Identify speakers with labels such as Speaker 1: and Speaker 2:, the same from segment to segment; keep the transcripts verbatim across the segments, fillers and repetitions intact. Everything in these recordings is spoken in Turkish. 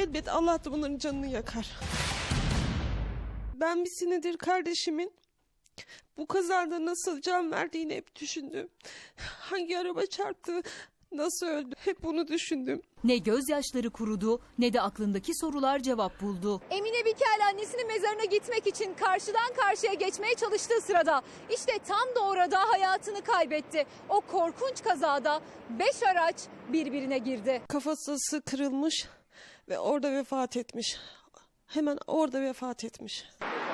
Speaker 1: elbet Allah da bunların canını yakar. Ben bir senedir kardeşimin bu kazada nasıl can verdiğini hep düşündüm. Hangi araba çarptı, nasıl öldü, hep bunu düşündüm.
Speaker 2: Ne gözyaşları kurudu ne de aklındaki sorular cevap buldu.
Speaker 3: Emine Bikel annesinin mezarına gitmek için karşıdan karşıya geçmeye çalıştığı sırada işte tam da orada hayatını kaybetti. O korkunç kazada beş araç birbirine girdi.
Speaker 1: Kafası kırılmış ve orada vefat etmiş. Hemen orada vefat etmiş.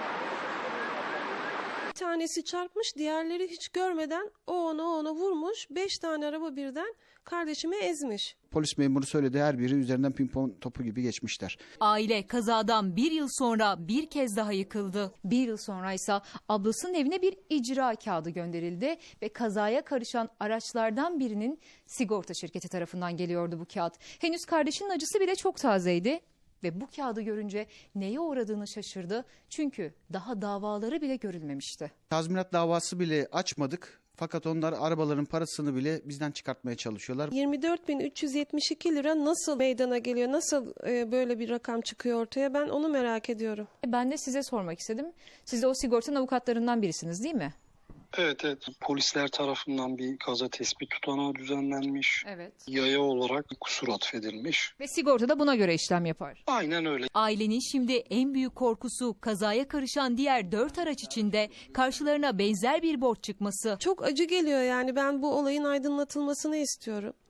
Speaker 1: Bir tanesi çarpmış, diğerleri hiç görmeden o ona o ona vurmuş. Beş tane araba birden kardeşimi ezmiş.
Speaker 4: Polis memuru söyledi, her biri üzerinden pimpon topu gibi geçmişler.
Speaker 2: Aile kazadan bir yıl sonra bir kez daha yıkıldı.
Speaker 3: Bir yıl sonra ise ablasının evine bir icra kağıdı gönderildi ve kazaya karışan araçlardan birinin sigorta şirketi tarafından geliyordu bu kağıt. Henüz kardeşinin acısı bile çok tazeydi ve bu kağıdı görünce neye uğradığını şaşırdı. Çünkü daha davaları bile görülmemişti.
Speaker 4: Tazminat davası bile açmadık. Fakat onlar arabaların parasını bile bizden çıkartmaya çalışıyorlar.
Speaker 1: yirmi dört bin üç yüz yetmiş iki lira nasıl meydana geliyor? Nasıl e, böyle bir rakam çıkıyor ortaya? Ben onu merak ediyorum.
Speaker 3: Ben de size sormak istedim. Siz de o sigortanın avukatlarından birisiniz değil mi?
Speaker 5: Evet evet. Polisler tarafından bir kaza tespit tutanağı düzenlenmiş.
Speaker 3: Evet.
Speaker 5: Yaya olarak kusur atfedilmiş.
Speaker 3: Ve sigorta da buna göre işlem yapar.
Speaker 5: Aynen öyle.
Speaker 2: Ailenin şimdi en büyük korkusu kazaya karışan diğer dört araç içinde karşılarına benzer bir borç çıkması.
Speaker 1: Çok acı geliyor yani, ben bu olayın aydınlatılmasını istiyorum.